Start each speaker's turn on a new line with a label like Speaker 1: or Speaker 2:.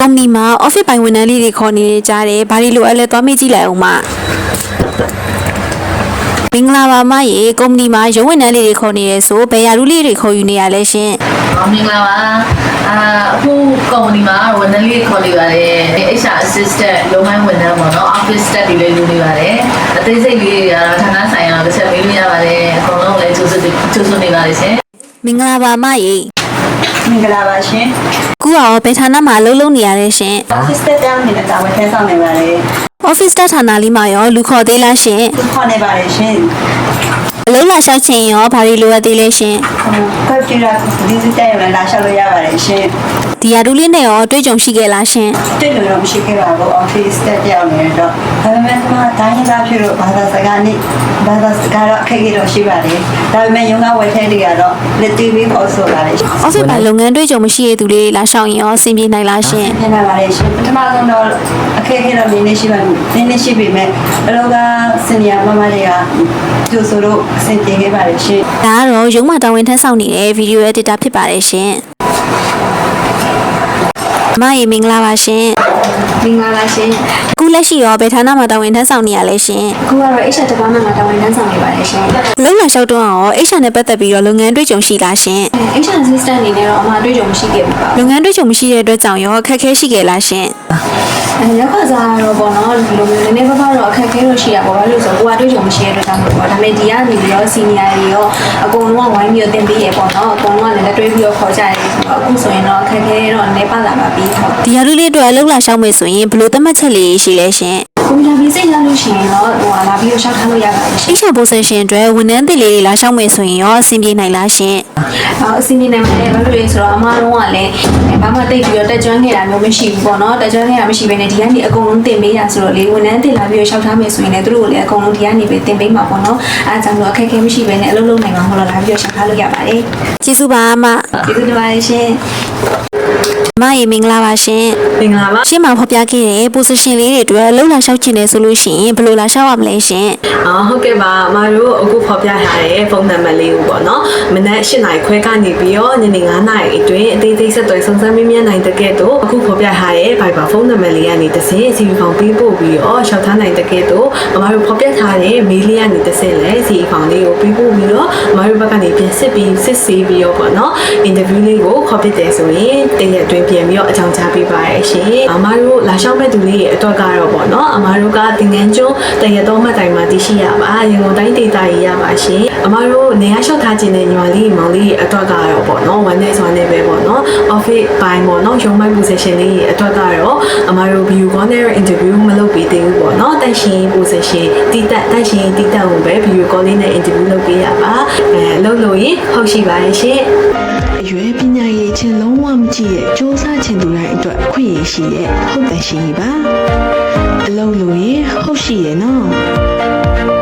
Speaker 1: မ္ပဏီမှာ office ပိုင်ဝန်ထမ်းလေးတွေခေါ်နေကြတယ်ဘာလို့လိုအပ်လဲသွားမေးကြည့်လိုက်အောင်မင်္ဂလာပါမရေကုမ္ပဏီမှာရုံးဝန်ထမ်းလေးတွေခေါ်နေတယ်ဆိုဘယ်ရာထူးလေးတွေခေါ်ယူနေရလဲရှင်
Speaker 2: မင်္ဂလာပါအခုကုမ္ပဏီမှာဝန်ထမ်းလေးခေါ်နေပါတယ် HR assistant ရုံးပိုင်းဝန်ထမ်းပေါ့နော် office staff တွေလည်းယူနေပါတယ်အသေးစိတ်လေးတွေကတော့ဌာနဆိုင်ရာတစ်ချက်မေးလို့ရပါတယ်အကုန်လုံးလည်းကြိုးစွနေပါတယ်ရှင်
Speaker 1: မင်္ဂလာပါမရေ
Speaker 3: မင်္ဂလာပါရှင်
Speaker 1: ခုရောဘယ်ဌာနမှာအလုပ်လုပ်နေရလဲရှင်
Speaker 3: office staff တောင်းနေတာတာဝန်ထမ်းဆောင်နေပါတယ်
Speaker 1: office staff ဌာနလေးမှာရောလူခေါ်သေးလားရှင်
Speaker 3: ခေါ်နေပါတယ်ရှင်
Speaker 1: အလုံးလာလျှောက်ချင်ရောဘာလို့လိုအပ်သေးလဲရှင်
Speaker 3: ကွန်ပျူတာဒီဇစ်တိုင်းမှာလာလျှောက်လို့ရပါတယ်ရှင်
Speaker 1: ဒီရာထူးလေးနဲ့ရောတွေ့ကြုံရှိခဲ့လားရှင်
Speaker 3: တွေ့လို့တော့မရှိခဲ့ပါဘူး office staff ပြောင်းနေတော့ဒါပေမဲ့ဒီမှာတိုင်းရင်းသားဖြစ်လို့ဘာသာစကားနဲ့ဘာသာစကားတော့အခက်အခဲတော့ရှိပါတယ်ဒါပေမဲ့ရုံးကဝယ်ထဲတွေကတော့လက်တွေ့ပြီးခေါ်ဆိုပါတယ်
Speaker 1: office မှာလုပ်ငန်းတွေ့ကြုံမရှိတဲ့သူလေးလာလျှောက်ရင်ရောအဆင်ပြေနိုင်လားရှင်
Speaker 3: ပြန်လာပါတယ်ရှင်ပထမဆုံးတော့အခက်အခဲတော့နည်းနည်းရှိပါဘူးနည်းနည်းရှိပေမဲ့အလောကစင်နီယာမမတွေကကျိုးဆိုတော့အဆင်ပြေခဲ့ပါတယ်ရှင်
Speaker 1: ဒါကတော့ရုံးမှာတာဝန်ထမ်းဆောင်နေတဲ့ video editor ဖြစ်ပါတယ်ရှင်မရေမင်္ဂလာပါရှင်
Speaker 4: မင်္ဂလာပါရှင်
Speaker 1: အခုလက်ရှိရောဘယ်ဌာနမှာတာဝန်ထမ်းဆောင်နေရလဲရှင်
Speaker 4: အခုကတော့ HR department မှာတာဝန်ထမ်းဆောင်နေပါတယ်ရှင်
Speaker 1: လုံလာလျှောက်တော့ရော HR နဲ့ပတ်သက်ပြီးတော့လုပ်ငန်းတွေ့ကြုံရှိလားရှင်
Speaker 4: HR assistant အနေနဲ့တော့အမှတွေ့ကြုံမရှိခဲ့ဘူးပါ
Speaker 1: လုပ်ငန်းတွေ့ကြုံမရှိတဲ့အတွက်ကြောင့်ရောအခက်အခဲရှိခဲ့လားရှင်
Speaker 4: ရောက်ခါစားတော့ပေါ့နော်ဒီလိုမျိုးနည်းနည်းပါးပါးတော့အခက်အခဲတော့ရှိရပါဘာလို့ဆိုတော့ကိုကတွေ့ကြုံမရှိတဲ့အတွက်ကြောင့်ပေါ့ဒါပေမဲ့ဒီကနေပြီးတော့ senior တွေရောအကုန်လုံးကဝိုင်းပြီးတော့တင်ပေးရပေါ့နော်အကုန်လုံးကလည်းတွဲပြီးတော့ခေါ်ကြရတယ်ဆိုတော့အခုဆိုရင်တော့အခက်အခဲတော့နည်းပါလာပါပြီ
Speaker 1: ဒီရာထူးလေးအတွက်လုံလာလျှောက်မယ်ဆိုရင်ဘယ်လိုသတ်မှတ်ချက်လေးရှိလဲရှင်
Speaker 4: ကွန်ပျူတာပြီးစိတ်ရလို့ရှိရင်တော့လာပြီးတော့ရှောက်ထားလို့ရပါတယ်ရှင်
Speaker 1: HR position အတွက်ဝန်ထမ်းသစ်လေးတွေလာလျှောက်မယ်ဆိုရင်ရောအဆင်ပြေနိုင်လားရှင်
Speaker 4: အဆင်ပြေနိုင်ပါတယ်ဘာလို့လဲဆိုတော့အမားလုံးကလည်းဘာမှတိတ်ပြီးတော့တက်ကြွခဲ့တာမျိုးမရှိဘူးပေါ့နော်တက်ကြွခဲ့တာမရှိဘဲနဲ့ဒီကနေအကုန်လုံးတင်ပေးရဆိုတော့လေဝန်ထမ်းသစ်လာပြီးတော့ရှောက်ထားမယ်ဆိုရင်လည်းသူတို့ကိုလည်းအကုန်လုံးဒီကနေပဲတင်ပေးမှာပေါ့နော်အဲဒါကြောင့်လို့အခက်အခဲမရှိဘဲနဲ့အလုပ်လုပ်နိုင်မှာမဟုတ်တော့လာပြီးတော့ရှောက်ထားလို့ရပါတယ်
Speaker 1: ကျေးဇူးပါအမ
Speaker 4: ကျေးဇူးတင်ပါတယ်ရှင်
Speaker 1: မရေမင်္ဂလာပါရှင်
Speaker 2: မင်္ဂလာပါ
Speaker 1: ရှင်းမှာဖော်ပြခဲ့တဲ့ position လေးတွေအတွက်လုံလာလျှောက်ချင်တယ်ဆိုလို့ရှိရင်ဘယ်လိုလာလျှောက်ရမလဲရှင်
Speaker 2: ဟုတ်ကဲ့ပါအမတို့အခုဖော်ပြထားတဲ့ဖုန်းနံပါတ်လေးကိုပေါ့နော်မနက်8:00 နာရီခွဲကနေပြီးတော့ညနေ9:00 နာရီအတွင်းအသေးစိတ်ဆက်သွယ်စုံစမ်းမေးမြန်းနိုင်တဲ့ကဲ့သို့အခုဖော်ပြထားတဲ့ Viber ဖုန်းနံပါတ်လေးကနေတစ်ဆင့် CV ဖောင်ပေးပို့ပြီးတော့ရှောက်ထားနိုင်တဲ့ကဲ့သို့အမတို့ဖော်ပြထားတဲ့ mail လေးကနေတစ်ဆင့်လဲ CV ဖောင်လေးကိုပေးပို့ပြီးတော့အမတို့ဘက်ကနေပြန်စစ်ဆေးပြီးတော့ပေါ့နော် interview လေးကိုခေါ်ပြတယ်ဆိုရင်တရက်အတွင်းပြန်ပြီးတော့အကြောင်းကြားပေးပါရရှင်အမတို့လာလျှောက်မဲ့သူလေးရဲ့အတွက်ကတော့ပေါ့နော်အမတို့ကတင်ငန်းကျွန်းတရက်တော်မှတ်တိုင်မှာတည်ရှိရပါရန်ကုန်တိုင်းဒေသကြီးရပါရှင်အမတို့နေရာလျှောက်ထားခြင်းနဲ့ညီမလေးမောင်လေးရဲ့အတွက်ကတော့ပေါ့နော်ဝန်နဲ့ဆိုနေပဲပေါ့နော် office ပိုင်းပေါ့နော်ရုံးပိုင်း position လေးရဲ့အတွက်ကတော့အမတို့ view call နဲ့ interview မလုပ်ပေးသေးဘူးပေါ့နော်တန့်ရှင် position တီးတက်ရှင်တီးတက်ကိုပဲ view call လေးနဲ့ interview လုပ်ပေးရပါလုပ်လို့ရင်ဟုတ်ရှိပါရဲ့ရှင်
Speaker 5: အရွယ်ပညာရေးချင်းလုံးဝမကြည့်ရဲ့စူးစမ်းချင်သူတိုင်းအတွက်အခွင့်အရေးရှိရဲ့ဟုတ်တယ်ရှင်ပါအလုံးလို့ရဟုတ်ရှိရဲ့နော်